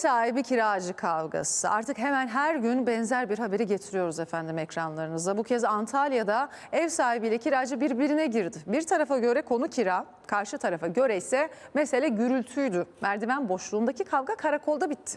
sahibi kiracı kavgası. Artık hemen her gün benzer bir haberi getiriyoruz efendim ekranlarınıza. Bu kez Antalya'da ev sahibiyle kiracı birbirine girdi. Bir tarafa göre konu kira, karşı tarafa göre ise mesele gürültüydü. Merdiven boşluğundaki kavga karakolda bitti.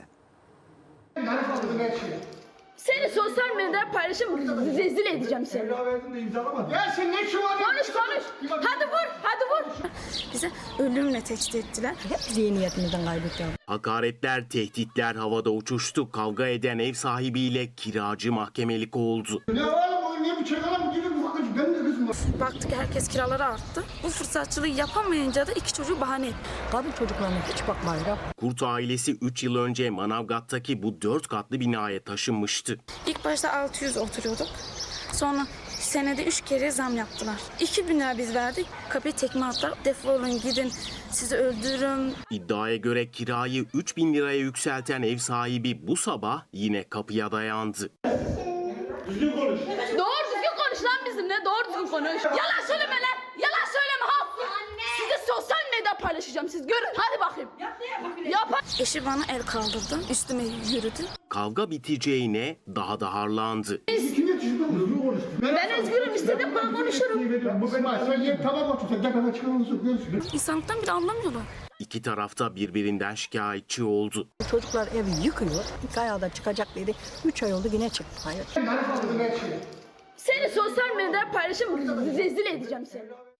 Seni sosyal medyada paylaşım rezil edeceğim seni. Ya sen ne şu an? Konuş. Hadi vur. Bize ölümle tehdit ettiler. Hep zihniyetimizden kaybettik. Hakaretler, tehditler havada uçuştu. Kavga eden ev sahibiyle kiracı mahkemelik oldu. Ya oğlum niye bu çakalar mı gibi bakın ben de kızım. Baktık herkes kiraları arttı. Bu fırsatçılığı yapamayınca da iki çocuğu bahane etti. Kadın çocuklarına hiç bakmayla. Kurt ailesi 3 yıl önce Manavgat'taki bu 4 katlı binaya taşınmıştı. İlk başta 600 oturuyorduk. Sonra senede 3 kere zam yaptılar. 2000 lira biz verdik. Kapıyı tekme attılar. Defolun gidin, sizi öldürürüm. İddiaya göre kirayı 3.000 liraya yükselten ev sahibi bu sabah yine kapıya dayandı. Düzgün konuş. Doğru düzgün konuş lan bizimle. Doğru düzgün konuş. Yalan söyleme lan. Yalan söyleme ha. Sizi sosyal medyada paylaşacağım. Siz görün. Hadi bakayım. Yap. Eşi bana el kaldırdı. Üstüme yürüdü. Kavga biteceğine daha da harlandı. Kim yetişiyor? Düzgün konuş. Ben özgürüm. İstediğim ben konuşurum. Bu benim söyleyeyim tamam otur sen gel bana çıkalım görüşürüz. İnsanlıktan bile anlamıyorlar. İki tarafta birbirinden şikayetçi oldu. Çocuklar evi yıkıyor. 2 ayda çıkacak dedi. 3 ay oldu yine çıktı. Hayır. Seni sosyal medyada paylaşım rezil edeceğim seni.